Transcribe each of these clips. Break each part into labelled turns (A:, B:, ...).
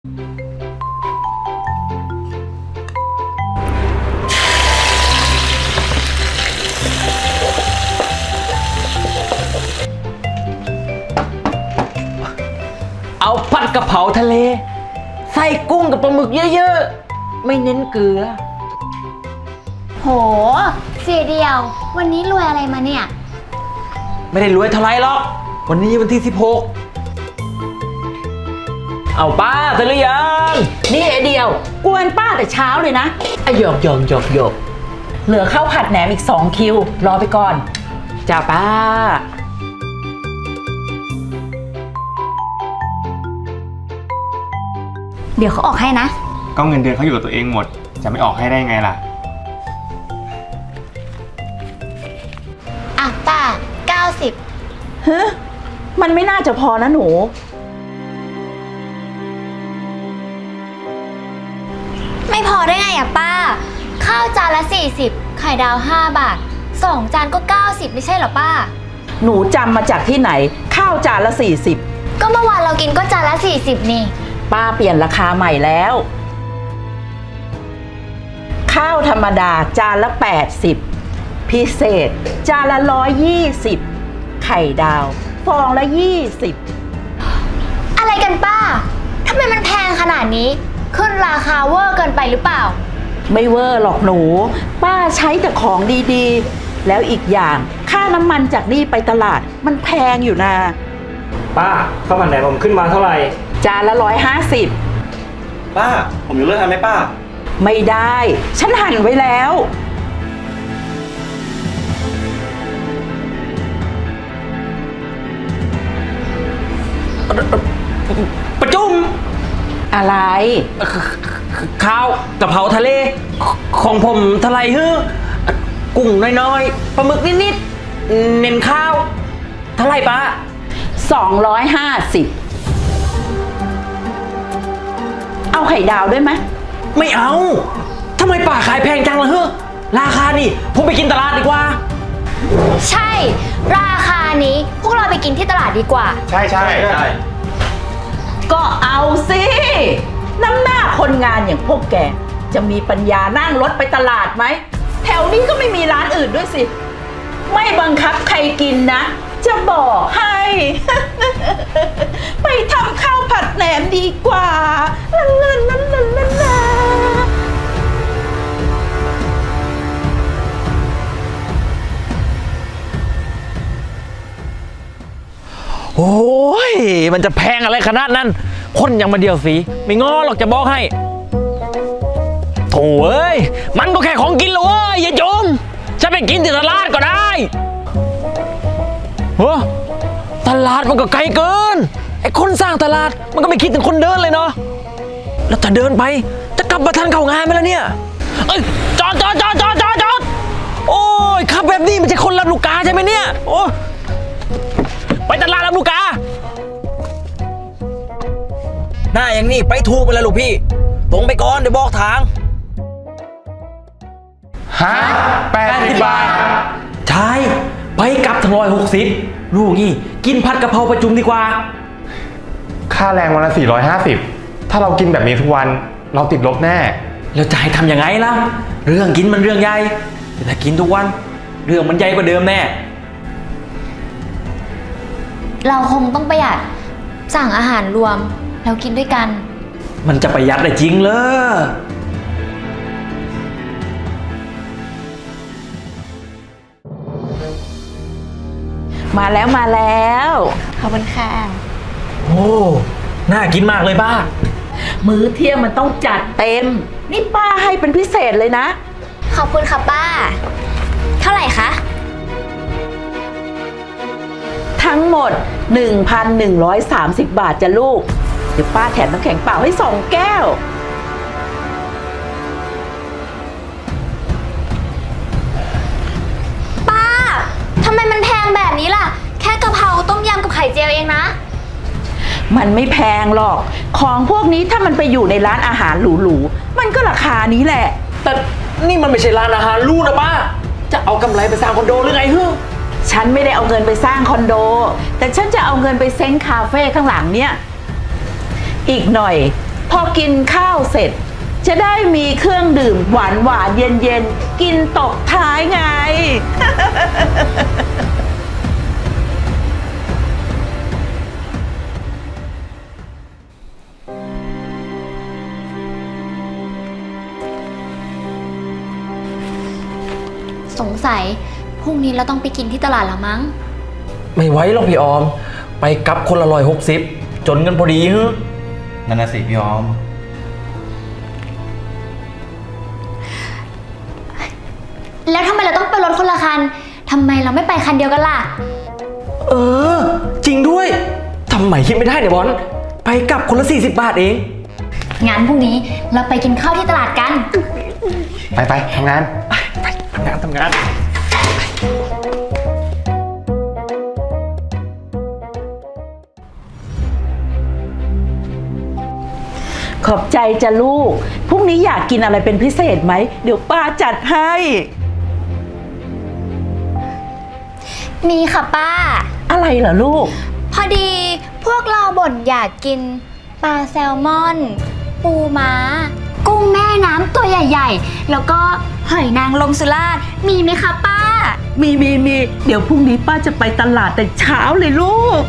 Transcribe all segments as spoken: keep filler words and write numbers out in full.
A: เอาผัดกะเพราทะเลใส่กุ้งกับปลาหมึกเยอะๆไม่เน้นเกลือ
B: โหเสียเดียววันนี้รวยอะไรมาเนี่ย
A: ไม่ได้รวยเท่าไรหรอกวันนี้วันที่สิบหกเอาป้าเสร็จหรือยัง
C: นี่ไอเดียวกวนป้าแต่เช้าเลยนะ
A: อ่ะหยอกหยอกหยอกหยอก
C: เหลือข้าวผัดแหนมอีกสองคิวรอไปก่อน
A: จ้าป้า
B: เดี๋ยวเขาออกให้นะ
D: ก็เงินเดือนเขาอยู่กับตัวเองหมดจะไม่ออกให้ได้ไงล่ะ
B: อ่ะป้าเก้าสิบ
C: เฮ้มันไม่น่าจะพอนะหนู
B: ไม่พอได้ไงอ่ะป้าข้าวจานละสี่สิบไข่ดาวห้าบาทสองจานก็เก้าสิบไม่ใช่เหรอป้า
C: หนูจำมาจากที่ไหนข้าวจานละสี่สิบ
B: ก็เมื่อวานเรากินก็จานละสี่สิบนี่
C: ป้าเปลี่ยนราคาใหม่แล้วข้าวธรรมดาจานละแปดสิบพิเศษจานละร้อยยี่สิบไข่ดาวฟองละยี่สิบ
B: อะไรกันป้าทำไมมันแพงขนาดนี้ขึ้นราคาเวอร์เกินไปหรือเปล่า
C: ไม่เวอร์หรอกหนูป้าใช้แต่ของดีๆแล้วอีกอย่างค่าน้ำมันจากนี่ไปตลาดมันแพงอยู่นะ
D: ป้าข้าวผัดแหนมผมขึ้นมาเท่าไหร่
C: จานละร้อยห้าสิบ
D: ป้าผมอยู่เลิกทำไหมป้า
C: ไม่ได้ฉันหั่นไว้แล้ว
A: ประจุม
C: อะไร
A: ข้าวกะเพราทะเลของผมเท่าไหร่ฮึกุ้งน้อยๆปลาหมึกนิดๆเน้นข้าวเท่าไหร่ป้า
C: สองร้อยห้าสิบเอาไข่ดาวด้วยไหม
A: ไม่เอาทำไมป้าขายแพงจังล่ะเฮ้อราคานี่ผมไปกินตลาดดีกว่า
B: ใช่ราคานี้พวกเราไปกินที่ตลาดดีกว่า
D: ใช่ใช่ใช่
C: ก็เอาสิน้ำหน้าคนงานอย่างพวกแกจะมีปัญญานั่งรถไปตลาดไหมแถวนี้ก็ไม่มีร้านอื่นด้วยสิไม่บังคับใครกินนะจะบอกให้ ไปทำข้าวผัดแหนมดีกว่าลาลาลาลาลาลา
A: โอ้ยมันจะแพงอะไรขนาดนั้นคนอย่างมาเดียวสีไม่ง้อหรอกจะบอกให้โถ่เอ้ยมันก็แค่ของกินเลยเว้ยอย่าจมจะไปกินที่ตลาดก็ได้เฮ้อตลาดมันก็ไกลเกินไอ้คนสร้างตลาดมันก็ไม่คิดถึงคนเดินเลยเนาะแล้วจะเดินไปจะกลับมาทันเข้างานไหมล่ะเนี่ยเอ้ยจอดจอดจอดจอดจอดจอดโอ้ยขับแบบนี้มันใช่คนรับลูกกาใช่ไหมเนี่ยโอ้ไปตลาดรับลูกกาหน้าอย่างนี้ไปถูกไปแล้วลูกพี่ตรงไปก่อนเดี๋ยวบอกทาง
D: ฮะแปดสิบบาท
A: ใช่ไปกลับถึงร้อยหกสิบลูกนี่กินผัดกะเพราประจุมดีกว่า
D: ค่าแรงวันละสี่ร้อยห้าสิบถ้าเรากินแบบนี้ทุกวันเราติดลบแน่
A: แล้วจะให้ทำยังไงล่ะเรื่องกินมันเรื่องใหญ่แต่ถ้ากินทุกวันเรื่องมันใหญ่กว่าเดิมแน่
B: เราคงต้องประหยัดสั่งอาหารรวมแล้วกินด้วยกัน
A: มันจะประหยัดได้จริงเหรอ
C: มาแล้วมาแล้ว
B: ขอบคุณค่ะ
A: โอ้น่ากินมากเลยป้า
C: มื้อเที่ยงมันต้องจัดเต็มนี่ป้าให้เป็นพิเศษเลยนะ
B: ขอบคุณค่ะป้าเท่าไหร่คะ
C: ทั้งหมด หนึ่งพันหนึ่งร้อยสามสิบ บาทจ้ะลูกเดี๋ยวป้าแถมน้ำแข็งเปล่าให้สองแก้ว
B: ป้าทำไมมันแพงแบบนี้ล่ะแค่กะเพราต้มยำกับไข่เจียวเองนะ
C: มันไม่แพงหรอกของพวกนี้ถ้ามันไปอยู่ในร้านอาหารหรูๆมันก็ราคานี้แหละ
A: แต่นี่มันไม่ใช่ร้านอาหารหรูนะป้าจะเอากำไรไปสร้างคอนโดหรือไงเฮ้อ
C: ฉันไม่ได้เอาเงินไปสร้างคอนโดแต่ฉันจะเอาเงินไปเซ้งคาเฟ่ข้างหลังเนี่ยอีกหน่อยพอกินข้าวเสร็จ จะได้มีเครื่องดื่มหวานหวานเย็นเย็นๆกินตบท้ายไง
B: สงสัยพรุ่งนี้เราต้องไปกินที่ตลาดแล้วมั้ง
A: ไม่ไหวหรอกพี่ออม ไปกลับคนละร้อยหกสิบจนกันพอดีฮึ
E: นั่นน่ะสิพี่ออม
B: แล้วทำไมเราต้องไปรถคนละคันทำไมเราไม่ไปคันเดียวกันล่ะ
A: เออ จริงด้วยทำไมคิดไม่ได้เนี่ยบอลไปกลับคนละสี่สิบบาทเอง
B: งั้นพรุ่งนี้เราไปกินข้าวที่ตลาดกัน
D: ไปไปทำงาน
A: ไปทำงานทำงาน
C: ขอบใจจ้ะลูก พรุ่งนี้อยากกินอะไรเป็นพิเศษไหม เดี๋ยวป้าจัดให้
B: มีค่ะป้า
C: อะไรเหรอลูก
B: พอดีพวกเราบ่นอยากกินปลาแซลมอน ปูม้า กุ้งแม่น้ำตัวใหญ่ๆ แล้วก็หอยนางรมสุราษฎร์มีไหมคะป้า
C: มีมีมีเดี๋ยวพรุ่งนี้ป้าจะไปตลาดแต่เช้าเลยลูก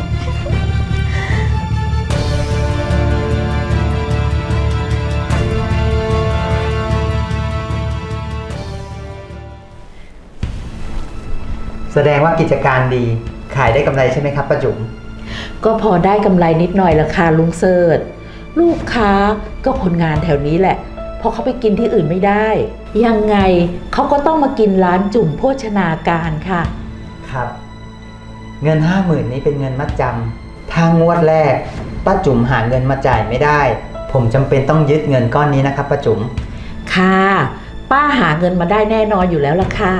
F: แสดงว่ากิจการดีขายได้กำไรใช่ไหมครับป้าจุ๋ม
C: ก็พอได้กำไรนิดหน่อยละค่ะลุงเสิร์ชลูกค้าก็คนงานแถวนี้แหละเพราะเขาไปกินที่อื่นไม่ได้ ยังไงเขาก็ต้องมากินร้านจุ่มโภชนาการค่ะ
F: ครับ เงินห้าหมื่นนี้เป็นเงินมัดจำถ้างวดแรกป้าจุ๋มหาเงินมาจ่ายไม่ได้ ผมจำเป็นต้องยึดเงินก้อนนี้นะครับป้าจุ๋ม
C: ค่ะ ป้าหาเงินมาได้แน่นอนอยู่แล้วล่ะค่ะ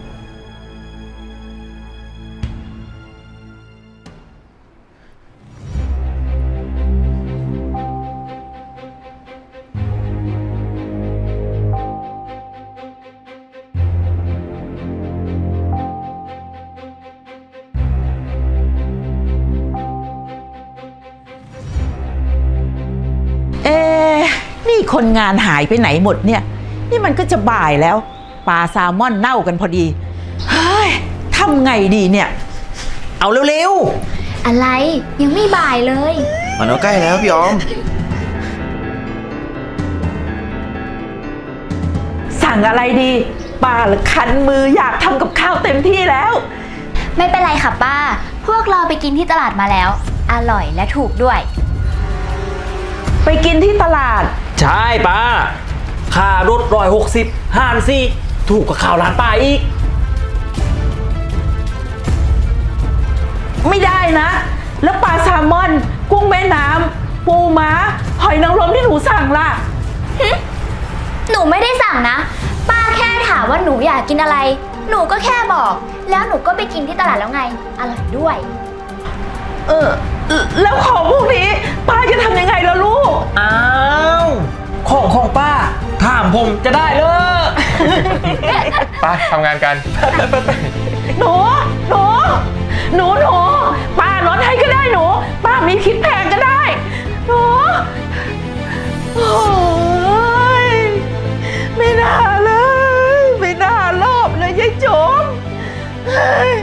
C: เอ๊ะนี่คนงานหายไปไหนหมดเนี่ย นี่มันก็จะบ่ายแล้ว ปลาแซลมอนเน่ากันพอดี เฮ้ยทำไงดีเนี่ย
A: เอาเร็ว
B: อะไรยังไม่บ่ายเลย
E: มันก็ใกล้แล้วพี่ออม
C: สั่งอะไรดีป้าละคันมืออยากทำกับข้าวเต็มที่แล้ว
B: ไม่เป็นไรค่ะป้า พวกเราไปกินที่ตลาดมาแล้ว อร่อยและถูกด้วย
C: ไปกินที่ตลาด
A: ๆ ใช่ป้า ค่ารถร้อยหกสิบห้านซี่ถูกกว่าข่าวร้านป้าอีก
C: ไม่ได้นะ แล้วปลาแซลมอน กุ้งแม่น้ำปูม้า หอยนางรมที่หนูสั่งล่ะ
B: หนูไม่ได้สั่งนะ ป้าแค่ถามว่าหนูอยากกินอะไร หนูก็แค่บอก แล้วหนูก็ไปกินที่ตลาดแล้วไง อร่อยด้วย
C: เออ แล้วของพวกนี้ ป้าจะทำยังไงล่ะลูก
A: อ้าว ของของป้า ถามผมจะได้เลย
D: ไปทำงานกัน
C: หนู หนู หนู หนู ป้าลดให้ก็ได้หนู ป้ามีคิดแพงก็ได้ หนู โอ้ยไม่น่าเลย ไม่น่ารอบเลยยายโจมเฮ้ย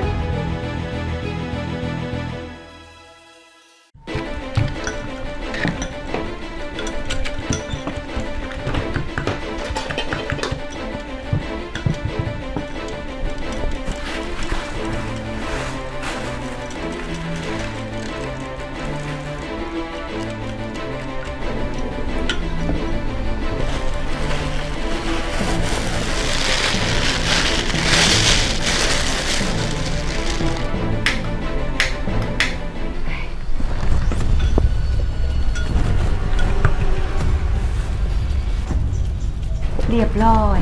B: เรียบร้อย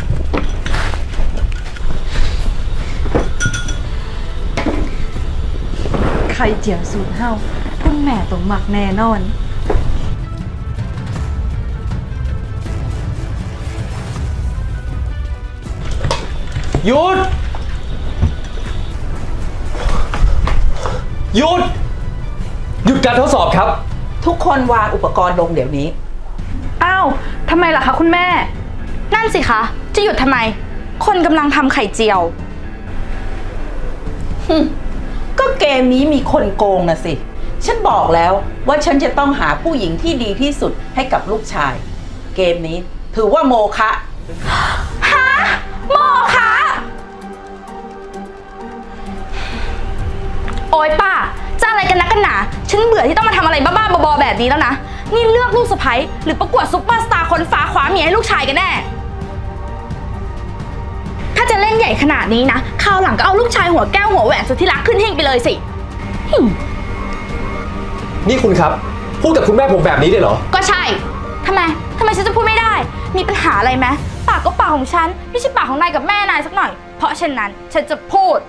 G: ไข่เจียวสูตรเฮาคุณแม่ต้องหมักแน่นอน
A: หยุด หยุด หยุดการทดสอบครับ
C: ทุกคนวางอุปกรณ์ลงเดี๋ยวนี้
H: อ้าวทำไมล่ะคะคุณแม่
B: นั่นสิคะ จะหยุดทำไม คนกำลังทำไข่เจียว
C: ก็เกมนี้มีคนโกงนะสิ ฉันบอกแล้วว่าฉันจะต้องหาผู้หญิงที่ดีที่สุดให้กับลูกชาย เกมนี้ถือว่าโมฆะ
B: ฮะโมคะ โอ๊ยป้า จะอะไรกันนักกันหนา ฉันเบื่อที่ต้องมาทำอะไรบ้าๆบอๆแบบนี้แล้วนะ นี่เลือกลูกสะใภ้หรือประกวดซุปเปอร์สตาร์คนฟ้าคว้าเมียให้ลูกชายกันแน่ ถ้าจะเล่นใหญ่ขนาดนี้นะคราวหลังก็เอาลูกชายหัวแก้วหัวแหวนสุดที่รักขึ้นหิ้งไปเลยสิหึ่ม
I: นี่คุณครับ พูดกับคุณแม่ผมแบบนี้เลยเหรอ
B: ก็ใช่ ทำไม ทำไมฉันจะพูดไม่ได้ มีปัญหาอะไรไหมปากก็ปากของฉัน ไม่ใช่ปากของนายกับแม่นายสักหน่อย เพราะฉะนั้นฉันจะพูด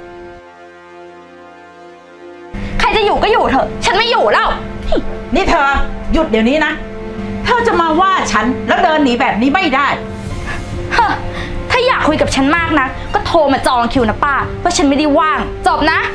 B: ใครจะอยู่ก็อยู่เถอะ ฉันไม่อยู่แล้ว
C: นี่เธอหยุดเดี๋ยวนี้นะ เธอจะมาว่าฉันแล้วเดินหนีแบบนี้ไม่ได้
B: ฮะ ถ้าอยากคุยกับฉันมากนะ ก็โทรมาจองคิวนะป้า เพราะฉันไม่ได้ว่าง จบนะ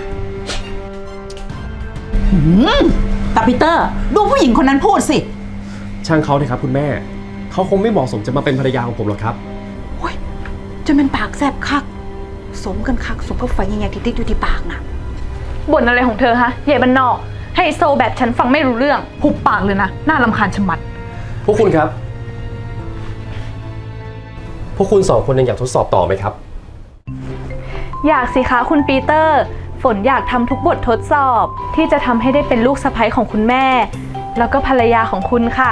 C: หืมตาปีเตอร์ ดูผู้หญิงคนนั้นพูดสิ
I: ช่างเขาเถอะครับคุณแม่ เขาคงไม่เหมาะสมจะมาเป็นภรรยาของผมหรอกครับ
H: จนเป็นปากแสบคัก สมกันคักสมกับไฟใหญ่ๆที่ติดอยู่ที่ปากนะบ่นอะไรของเธอฮะเย่บันนอกไฮโซแบบฉันฟังไม่รู้เรื่องหุบปากเลยนะ น่ารำคาญชะมัด
I: พวกคุณครับ พวกคุณสองคนยังอยากทดสอบต่อไหมครับ
H: อยากสิคะคุณปีเตอร์ ฝนอยากทำทุกบททดสอบที่จะทำให้ได้เป็นลูกสะใภ้ของคุณแม่ แล้วก็ภรรยาของคุณค่ะ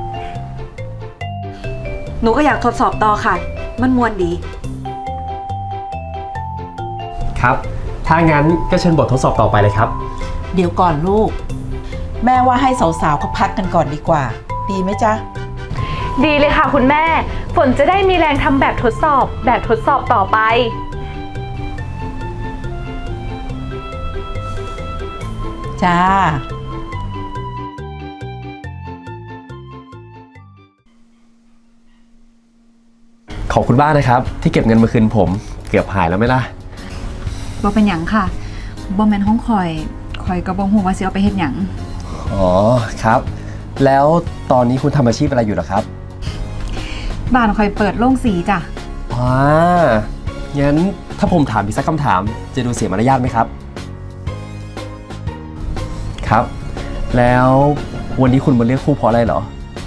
G: หนูก็อยากทดสอบต่อค่ะ มันมวนดี
I: ครับ ถ้างั้นก็เชิญบททดสอบต่อไปเลยครับ
C: เดี๋ยวก่อนลูก แม่ว่าให้สาวๆเขาพักกันก่อนดีกว่า ดีไหมจ๊ะ
H: ดีเลยค่ะคุณแม่ ฝนจะได้มีแรงทำแบบทดสอบ แบบทดสอบต่อไป
C: จ้า
I: ขอบคุณบ้างนะครับ ที่เก็บเงินมาคืนผม เกือบหายแล้วไหมล่ะ
G: บ่เป็นหยังค่ะบ่แม่นห้องคอยคอยก็บ่ฮู้ว่าสิเอาไปเฮ็ดหยัง
I: อ๋อครับ แล้วตอนนี้คุณทำอาชีพอะไรอยู่เหรอครับ
G: บ้านคอยเปิดโรงสีจ้ะ
I: ว้างั้นถ้าผมถามอีกสักคำถาม จะดูเสียมารยาทไหมครับ ครับ แล้ววันนี้คุณมาเลือกคู่เพราะอะไรเหรอ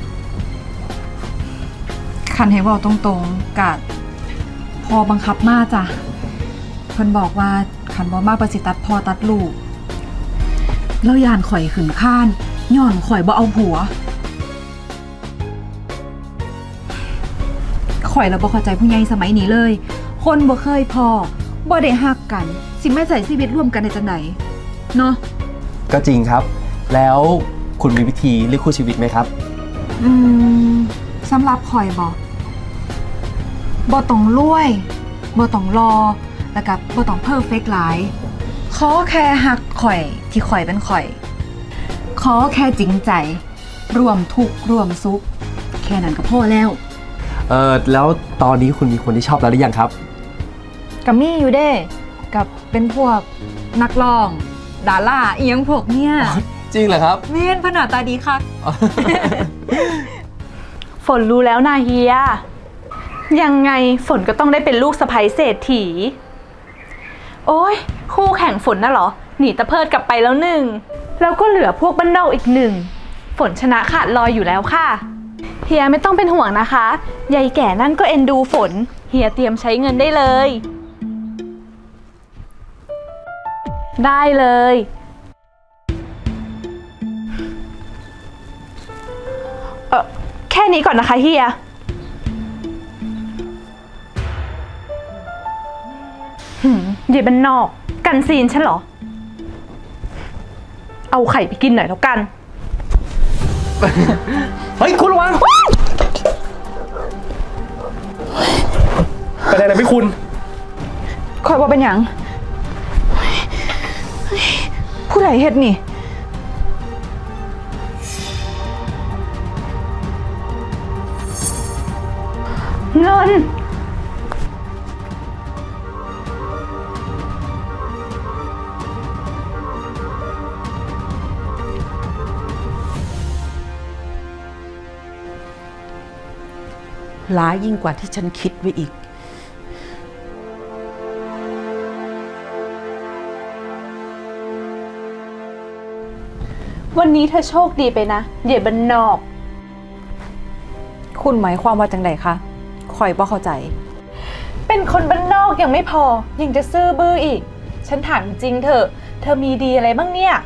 G: คันให้เว้าตรงๆกะพอบังคับมาจ้ะเพิ่นบอกว่าคันบ่มาประสิตัดพอตัดลูกแล้วยานข่อยขึ้นข้านย้อนข่อยบ่เอาผัวข่อยแล้วบ่เข้าใจผู้ใหญ่สมัยนี้เลย คนบ่เคยพอบ่ได้ฮักกัน สิมาใส่ชีวิตร่วมกันได้จังไดเนาะ
I: ก็จริงครับ แล้วคุณมีวิธีเลือกคู่ชีวิตไหมครับ
G: อืมสำหรับข่อยบ่บ่ต้องรวยบ่ต้องรอแล้วก็บ่ต้องเพอร์เฟกต์หลายขอแค่ฮักข่อยที่ข่อยเป็นข่อย ขอแค่จริงใจร่วมทุกข์ร่วมสุขแค่นั้นก็พอแล้ว
I: เออแล้วตอนนี้คุณมีคนที่ชอบแล้วหรือยังครับ
G: กับมี่อยู่เด้กับเป็นพวกนักร้อง ดาราเอียงพวกเนี้ย
I: จริงเหรอครับ
G: เม่นพนาตาดีค่ะ
H: ฝนรู้แล้วนาเฮีย ยังไงฝนก็ต้องได้เป็นลูกสะใภ้เศรษฐี โอ้ยคู่แข่งฝนน่ะเหรอ หนีตะเพิดกลับไปแล้วหนึ่ง แล้วก็เหลือพวกบ้านนอกอีกหนึ่ง ฝนชนะขาดลอยอยู่แล้วค่ะ เฮียไม่ต้องเป็นห่วงนะคะยายแก่นั่นก็เอ็นดูฝน เฮียเตรียมใช้เงินได้เลย ได้เลย เออแค่นี้ก่อนนะคะเฮีย หืมเย่บันนอก กันซีนฉันเหรอ เอาไข่ไปกินหน่อยแล้วกัน
I: เฮ้ย คุณระวังเป็นอะไรนะพี่คุณ
G: คอยว่าเป็นหยังผู้ใดเฮ็ดนี่
H: เงิน
C: ร้ายยิ่งกว่าที่ฉันคิดไว้อีก
H: วันนี้เธอโชคดีไปนะเหย่บันนอก
G: คุณหมายความว่าจังไดคะข่อยบ่เข้าใจ
H: เป็นคนบ้านนอกยังไม่พอ ยังจะซื่อบื้ออีก ฉันถามจริงเถอะ เธอมีดีอะไรบ้างเนี่ย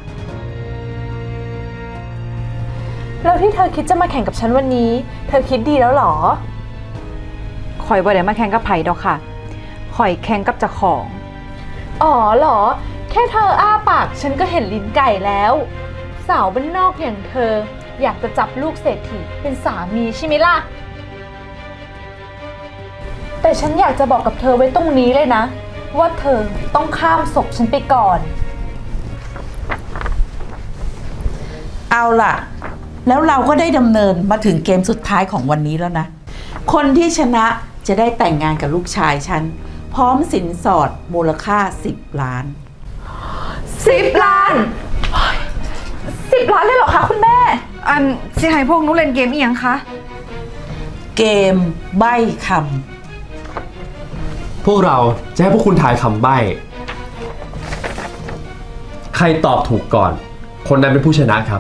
H: แล้วที่เธอคิดจะมาแข่งกับฉันวันนี้ เธอคิดดีแล้วหรอ
G: ข่อยบ่ได้มาแข่งกับไผดอกค่ะ ข่อยแข่งกับเจ้าของ
H: อ๋อเหรอ แค่เธออ้าปากฉันก็เห็นลิ้นไก่แล้ว สาวบ้านนอกอย่างเธอ อยากจะจับลูกเศรษฐีเป็นสามีใช่ไหมล่ะ แต่ฉันอยากจะบอกกับเธอไว้ตรงนี้เลยนะ ว่าเธอต้องข้ามศพฉันไปก่อน
C: เอาล่ะ แล้วเราก็ได้ดำเนินมาถึงเกมสุดท้ายของวันนี้แล้วนะ คนที่ชนะจะได้แต่งงานกับลูกชายฉัน พร้อมสินสอดมูลค่าสิบล้าน
H: สิบล้านสิบล้านเลยเหรอคะคุณแม่
G: อันสิให้พวกหนูเล่นเกมอีหยังคะ
C: เกมใบ้ค
I: พวกเราจะให้พวกคุณทายคำใบ้ ใครตอบถูกก่อน คนนั้นเป็นผู้ชนะครับ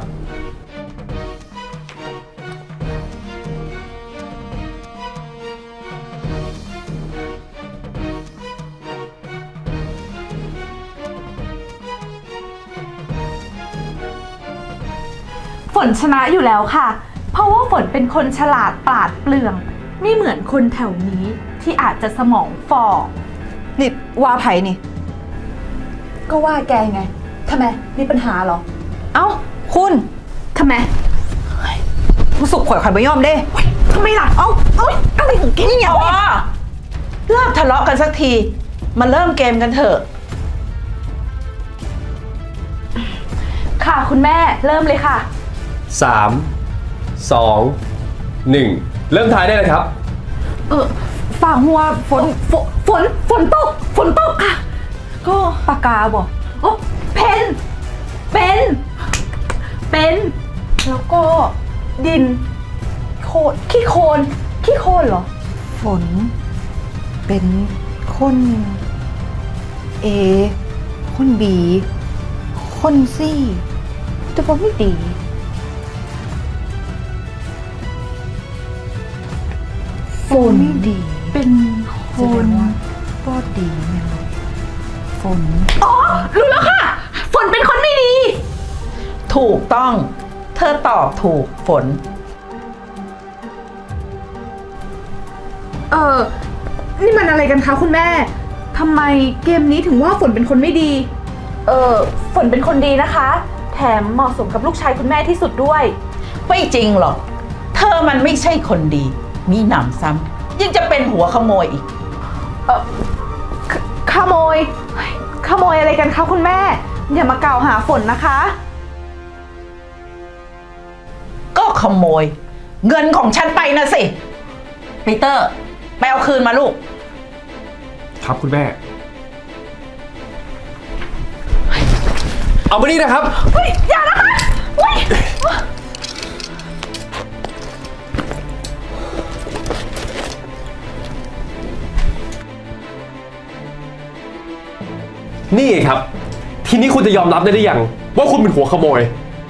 H: ฝนชนะอยู่แล้วค่ะ เพราะว่าฝนเป็นคนฉลาดปราดเปรื่อง ไม่เหมือนคนแถวนี้ที่อาจจะสมองฝ่อ
G: นี่ว่าไผนี่
H: ก็ว่าแกไง ทำไม มีปัญหาเหรอ
G: เอ้า คุณ
H: ทำไม
G: ผู้สุกข่อยข่อยบ่ยอมเด้
H: ทำไมล่ะ เอ้าเอ้ยอะไรของแกเนี่ย
C: ำอ๋อเลิกทะเลาะกันสักที มาเริ่มเกมกันเถอะ
H: ค่ะคุณแม่เริ่มเลยค่ะ
I: สาม สอง หนึ่ง เริ่มทายได้เลยครับ
H: เออฝ่าหัวฝนฝนฝนฝนตก ฝนตกค่ะ ก็
G: ปากกาบ่
H: โอ้เพนเป็น เป็น แล้วก็ดิน โคลนขี้โคลนขี้โคลนเหรอ
G: ฝน เป็นคนเอคนบีคนซี่แต่ว่าไม่ดี ฝนไม่ดี
H: เป็นค
G: แสด
H: น
G: งว่าก็ดีแม่นบ่ฝน
H: อ๋อ รู้แล้วค่ะ ฝนเป็นคนไม่ดี
C: ถูกต้อง เธอตอบถูกฝน
H: เออ นี่มันอะไรกันคะคุณแม่ ทำไมเกมนี้ถึงว่าฝนเป็นคนไม่ดี เออ ฝนเป็นคนดีนะคะ แถมเหมาะสมกับลูกชายคุณแม่ที่สุดด้วย
C: ไม่จริงหรอก เธอมันไม่ใช่คนดี มีหนำซ้ำยังจะเป็นหัวขโมยอีก
H: เออขขโมยเฮ้ยขโมยอะไรกันคะคุณแม่ อย่ามากล่าวหาฝนนะคะ
C: ก็ขโมย เงินของฉันไปนะสิปีเตอร์ไปเอาคืนมาลูก
I: ครับคุณแม่ เอามานี่นะครับ
H: เฮ้ย อย่านะคะเฮ้ย
I: นี่ไงครับ ทีนี้คุณจะยอมรับได้หรือยังว่าคุณเป็นหัวขโมย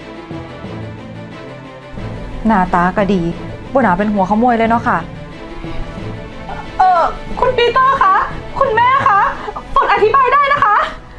G: หน้าตาก็ดีบ่น่าเป็นหัวขโมยเลยเนาะค่ะ
H: เออคุณปีเตอร์คะ คุณแม่คะ ฝนอธิบายได้นะคะ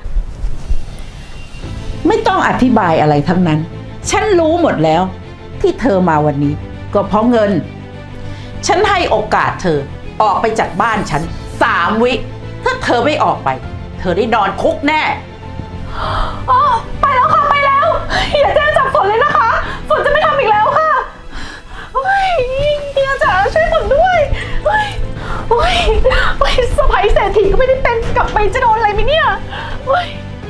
C: ไม่ต้องอธิบายอะไรทั้งนั้น ฉันรู้หมดแล้ว ที่เธอมาวันนี้ ก็เพราะเงิน ฉันให้โอกาสเธอออกไปจากบ้านฉันสามวิ ถ้าเธอไม่ออกไป เธอได้นอนคุกแน่
H: อ๋อ ไปแล้วค่ะ ไปแล้ว อย่าแจ้งจับฝนเลยนะคะ ฝนจะไม่ทำอีกแล้วค่ะเฮ้ยเฮียจ๋าช่วยฝนด้วยเฮ้ยเฮ้ยเฮ้ยสไปเศรษฐีก็ไม่ได้เป็นกลับไปจะโดนอะไรไหมเนี่ยเฮ้ย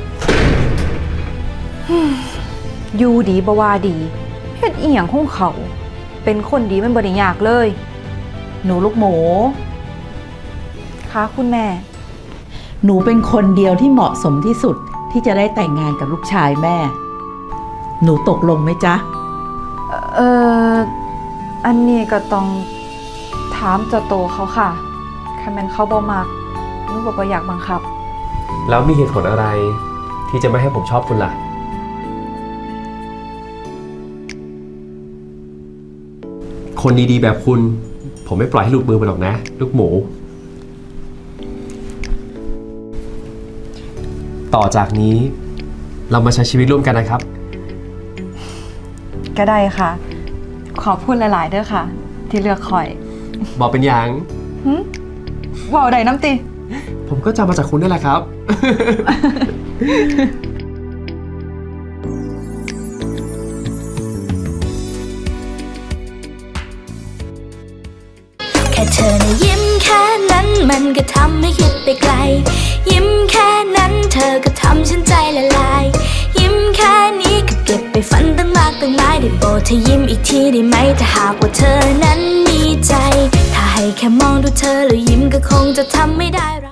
G: อยู่ดีบ่ว่าดีเฮ็ดอีหยังของเขา เป็นคนดีมันบ่ได้ยากเลย
C: หนูลูกหมู
G: ค่ะคุณแม่
C: หนูเป็นคนเดียวที่เหมาะสมที่สุดที่จะได้แต่งงานกับลูกชายแม่ หนูตกลงไหมจ๊ะ
G: เอ่อ อันนี้ก็ต้องถามเจ้าโตเขาค่ะคันแมนเขาบ่มักนุกบ่อยากบังคับ
I: แล้วมีเหตุผลอะไร ที่จะไม่ให้ผมชอบคุณล่ะ คนดีๆแบบคุณ ผมไม่ปล่อยให้หลุดมือไปหรอกนะ ลูกหมู ต่อจากนี้ เรามาใช้ชีวิตร่วมกันนะครับ
G: ก็ได้ค่ะ ขอพูดหลาย ๆ เด้อค่ะ ที่เลือกข่อย
I: บอกเป็นอย่าง
G: หึว่าวใดน้ำติ
I: ผมก็จำมาจากคุณนั่นแหละครับ
J: แค่เธอนะยิ้มแค่นั้นมันก็ทำให้คิดไปไกล ยิ้มแค่นั้นเธอก็ทำฉันใจละลาย ยิ้มแค่นี้ก็เก็บไปฝันตั้งมากตั้งหลายได้โปรดเธอยิ้มอีกทีได้ไหมถ้าหากว่าเธอนั้นมีใจ ถ้าให้แค่มองดูเธอแล้วยิ้มก็คงจะทำไม่ได้